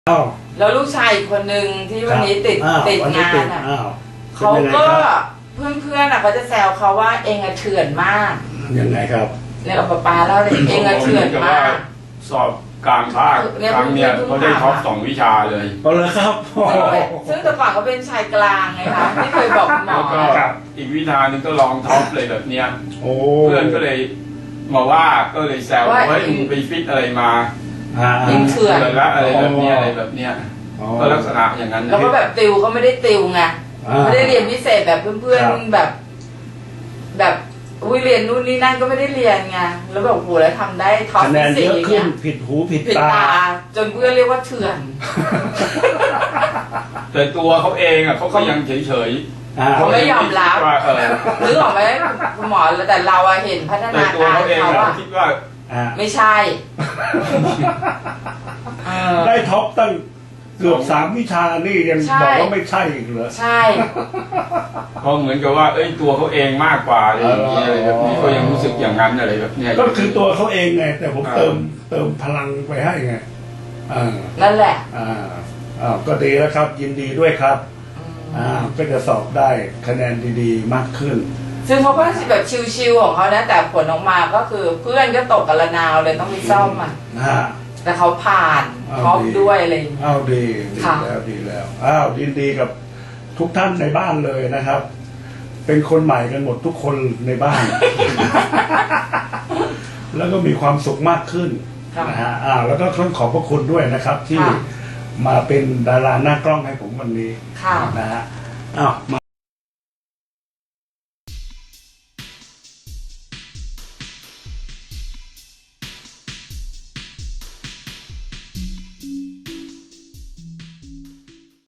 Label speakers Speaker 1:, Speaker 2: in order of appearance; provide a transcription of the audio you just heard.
Speaker 1: อ้าว
Speaker 2: แล้วลูกชายอีกคนนึงที่วันนี้ติดงานอ่ะเขาก็เพื่อนๆอ่ะเขาจะแซวเขาว่าเองอะเถื่อนมาก
Speaker 1: ยังไงครับ
Speaker 2: เนี่ยเอาป้าเล่าเลยเองอะเถื่อนมาก
Speaker 3: สอบกลางภาคครั้งเนี้ยเขาได้ท็อป2 วิชาเลย
Speaker 1: เอาเลยครับ
Speaker 2: ซึ่งแต่ก่อนเขาเป็นชายกลางไงคะที่เคยบอกหมอ
Speaker 3: แล้วก็อีกวิชาหนึ่งก็ลองท็อปเลยแบบเนี้ย
Speaker 1: โอ้
Speaker 3: เพื่อนก็เลยมาว่าก็เลยแซวว่ามึงไปฟิตอะไรมา
Speaker 2: ยิงเถื่อน
Speaker 3: ละอะไรแบบเนี้ยอะไรแบบเนี้ยก็ลักษณะอย่างนั้น
Speaker 2: แล้วก็แบบติวเขาไม่ได้ติวไงไม่ได้เรียนพิเศษแบบเพื่อนๆแบบเรียนนู่นนี่นั่นก็ไม่ได้เรียนไงแล้วแบบโหแล้วทำได้ท็อป
Speaker 1: คะแนน
Speaker 2: ที่
Speaker 1: เยอะ
Speaker 2: 4
Speaker 1: ขึ้
Speaker 2: เนี่
Speaker 1: น
Speaker 2: ย
Speaker 1: ผิดหูผิด
Speaker 2: ผิด
Speaker 1: ตา
Speaker 2: ตาจนเพื่อนเรียกว่าเถื่อน
Speaker 3: แต่ตัวเขาเองอ่ะเขาก็ยังเฉยๆ
Speaker 2: เขาไม่ยอมรับ
Speaker 3: ว่า
Speaker 2: นึกออกไหมคุณหมอแต่เราอะเห็นพัฒ
Speaker 3: แต่
Speaker 2: นา
Speaker 3: ตัว
Speaker 2: การ
Speaker 3: เขาเอง
Speaker 2: เขา
Speaker 3: อะ
Speaker 2: อะ
Speaker 3: คิดว่า
Speaker 2: ไม่ใช่
Speaker 1: ได้ท็อปตั้งเกือบ3 วิชานี่ยังบอกว่าไม่ใช่อีกเหรอ
Speaker 2: ใช่
Speaker 3: เขาเหมือนกับว่าตัวเขาเองมากกว่าอะไรอย่างเงี้ยอะไรแบบนี้เขายังรู้สึกอย่างนั้นอะไรแบบเนี้ย
Speaker 1: ก็คือตัวเขาเองไงแต่ผมเติมพลังไปให้ไง
Speaker 2: นั่นแหละ
Speaker 1: ก็ดีแล้วครับยินดีด้วยครับก็จะสอบได้คะแนนดีๆมากขึ้น
Speaker 2: ซึ่งเขาก็แบบชิวๆของเขานะแต่ผลออกมาก็คือเพื่อนก็ตกกระนาวเลยต้องไปซ่อมอ่ะแต่เขาผ่านท็อปด้วยอะไรอย่างเงี้ย
Speaker 1: ดีแล้วยินดีกับทุกท่านในบ้านเลยนะครับ เป็นคนใหม่กันหมดทุกคนในบ้าน แล้วก็มีความสุขมากขึ้นนะฮะแล้วก็ต้องขอบพระคุณด้วยนะครับ ที่มาเป็นดาราหน้ากล้องให้ผมวันนี้นะฮะ